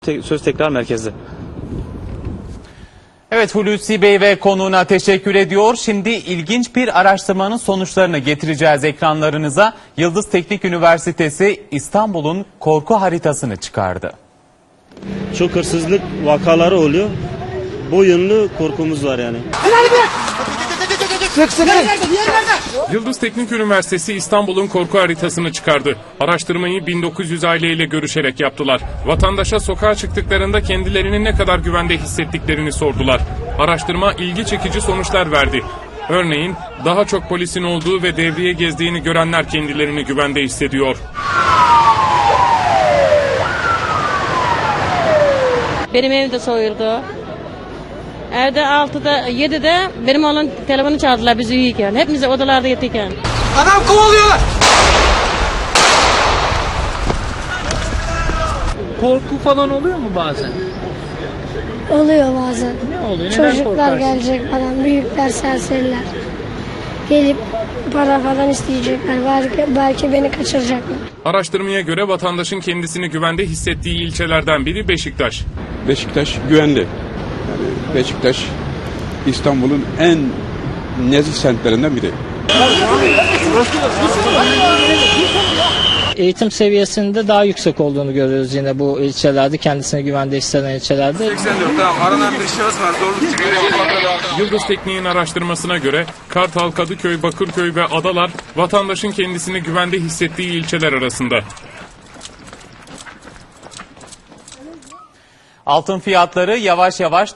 Söz tekrar merkezde. Evet, Hulusi Bey ve konuğuna teşekkür ediyor. Şimdi ilginç bir araştırmanın sonuçlarını getireceğiz ekranlarınıza. Yıldız Teknik Üniversitesi İstanbul'un korku haritasını çıkardı. Çok hırsızlık vakaları oluyor. Bu yönlü korkumuz var yani. Yıldız Teknik Üniversitesi İstanbul'un korku haritasını çıkardı. Araştırmayı 1900 aileyle görüşerek yaptılar. Vatandaşa sokağa çıktıklarında kendilerini ne kadar güvende hissettiklerini sordular. Araştırma ilgi çekici sonuçlar verdi. Örneğin daha çok polisin olduğu ve devriye gezdiğini görenler kendilerini güvende hissediyor. Benim evde soyuldu. Evde 6'da 7'de benim oğlan telefonu çaldılar biz uyuyken. Hepimiz odalarda yatırken. Adam kovalıyorlar. Korku falan oluyor mu bazen? Oluyor bazen. Ne oluyor? Neden Çocuklar korkarsın? gelecek falan, büyükler, serseriler. Gelip para falan isteyecekler. Belki beni kaçıracaklar. Araştırmaya göre vatandaşın kendisini güvende hissettiği ilçelerden biri Beşiktaş. Beşiktaş güvenli. Yani Beşiktaş İstanbul'un en nezih semtlerinden biri. Eğitim seviyesinde daha yüksek olduğunu görüyoruz yine bu ilçelerde, kendisini güvende hisseden ilçelerde. 84 tamam. Aranan bir şahıs var. Zorluk çıkarıyor. Yıldız Teknik'in araştırmasına göre Kartal, Kadıköy, Bakırköy ve Adalar vatandaşın kendisini güvende hissettiği ilçeler arasında. Altın fiyatları yavaş yavaş